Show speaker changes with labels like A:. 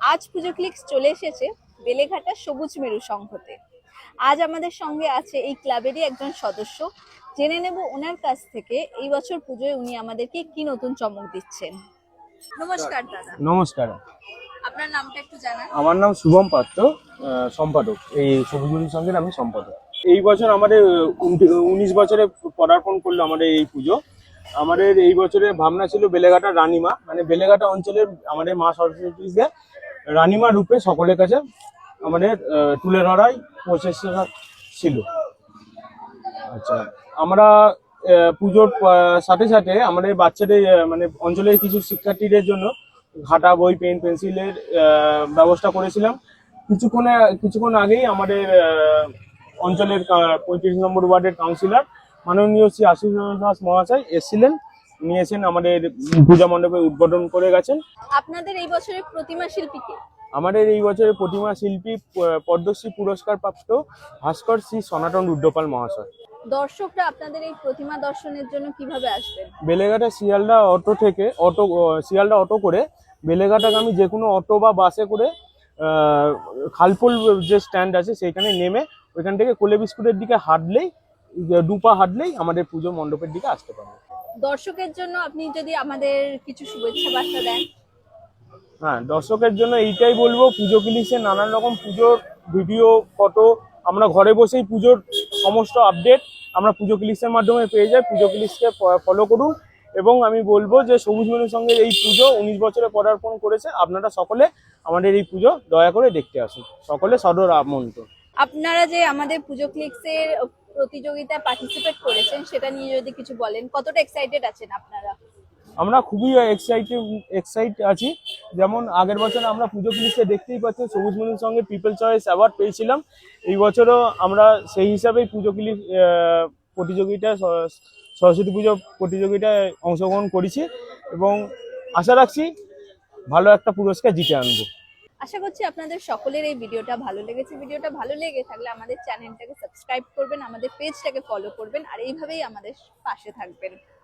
A: আজ পুজো ক্লিক্স চলে এসেছে বেলেঘাটা সবুজ মেরু সংঘতে। আজ আমাদের সঙ্গে আছে এই ক্লাবেরই একজন সদস্য। জেনে নেব ওনার কাছ থেকে এই বছর পুজোয় উনি আমাদেরকে কি নতুন চমক দিচ্ছেন। নমস্কার দাদা।
B: নমস্কার।
A: আপনার নামটা একটু জানান।
B: আমার নাম শুভম পাত্র, সম্পাদক। এই সবুজ মেরু সংঘের আমি সম্পাদক। এই বছর আমাদের 19 বছরে পদার্পণ করলো আমাদের এই পুজো। আমাদের এই বছরে ভাবনা ছিল বেলেঘাটা রানীমা, মানে বেলেঘাটা অঞ্চলের আমাদের মা সরস্বতীকে রানীমা রূপে সকলের কাছে আমাদের তুলে ধরাই প্রচেষ্টা ছিল। আচ্ছা, আমরা পুজোর সাথে সাথে আমাদের বাচ্চাদের মানে অঞ্চলের কিছু শিক্ষার্থীদের জন্য খাতা, বই, পেন, পেন্সিলের ব্যবস্থা করেছিলাম। কিছুক্ষণ আগেই আমাদের অঞ্চলের 35 নম্বর ওয়ার্ডের কাউন্সিলর মাননীয় শ্রী আশিস দাস মহাশয় এসেছিলেন, নিয়েছেন আমাদের পূজা মণ্ডপে উদ্বোধন করে গেছেন।
A: আপনাদের এই বছরের প্রতিমা শিল্পী কে?
B: আমাদের এই বছরের প্রতিমা শিল্পী পদ্মশ্রী পুরস্কার প্রাপ্ত ভাস্কর শ্রী সনাতন রুদ্রপাল মহাশয়।
A: দর্শকরা আপনাদের এই প্রতিমা দর্শনের জন্য কিভাবে আসবেন?
B: বেলেঘাটা শিয়ালদা অটো করে বেলেঘাটাগামী যে কোনো অটো বা বাসে করে খালপুল যে স্ট্যান্ড আছে সেইখানে নেমে ওইখান থেকে কোলে বিস্কুটের দিকে হাঁটলেই, দুপা হাঁটলেই আমাদের পুজো মণ্ডপের দিকে আসতে পারবে।
A: দর্শকের জন্য আপনি যদি আমাদের কিছু শুভেচ্ছা বার্তা দেন।
B: হ্যাঁ, দর্শকের জন্য এইটাই বলবো, পুজো ক্লিক্সে নানান রকম পুজোর ভিডিও, ফটো আমরা ঘরে বসেই পুজোর সমস্ত আপডেট আমরা পুজো ক্লিক্সের মাধ্যমে পেয়ে যাই। পুজো ক্লিক্সকে ফলো করুন এবং আমি বলবো যে সবুজ মেরুর সঙ্গে এই পুজো 19 বছরে পদার্পণ করেছে। আপনারা সকলে আমাদের এই পুজো দয়া করে দেখতে আসুন, সকলে সদর আমন্ত্রণ।
A: আপনারা যে আমাদের পুজো ক্লিক্সের প্রতিযোগিতায় পার্টিসিপেট করেছেন সেটা নিয়ে যদি কিছু বলেন, কতটা এক্সাইটেড আছেন আপনারা?
B: আমরা খুবই এক্সাইট আছি। যেমন আগের বছর আমরা পুজো ক্লিক্সে দেখতেই পাচ্ছি সবুজ মেরুর সঙ্গে পিপল চয়েস অ্যাওয়ার্ড পেয়েছিলাম। এই বছরও আমরা সেই হিসাবেই পুজো ক্লিক্স প্রতিযোগিতায়, সরস্বতী পুজো প্রতিযোগিতায় অংশগ্রহণ করেছি এবং আশা রাখছি ভালো একটা পুরস্কার জিতে আনবো।
A: আশা করছি আপনাদের সকলের এই ভিডিওটা ভালো লেগেছে। ভিডিওটা ভালো লেগে থাকলে আমাদের চ্যানেলটাকে সাবস্ক্রাইব করবেন, আমাদের পেজটাকে ফলো করবেন আর এইভাবেই আমাদের পাশে থাকবেন।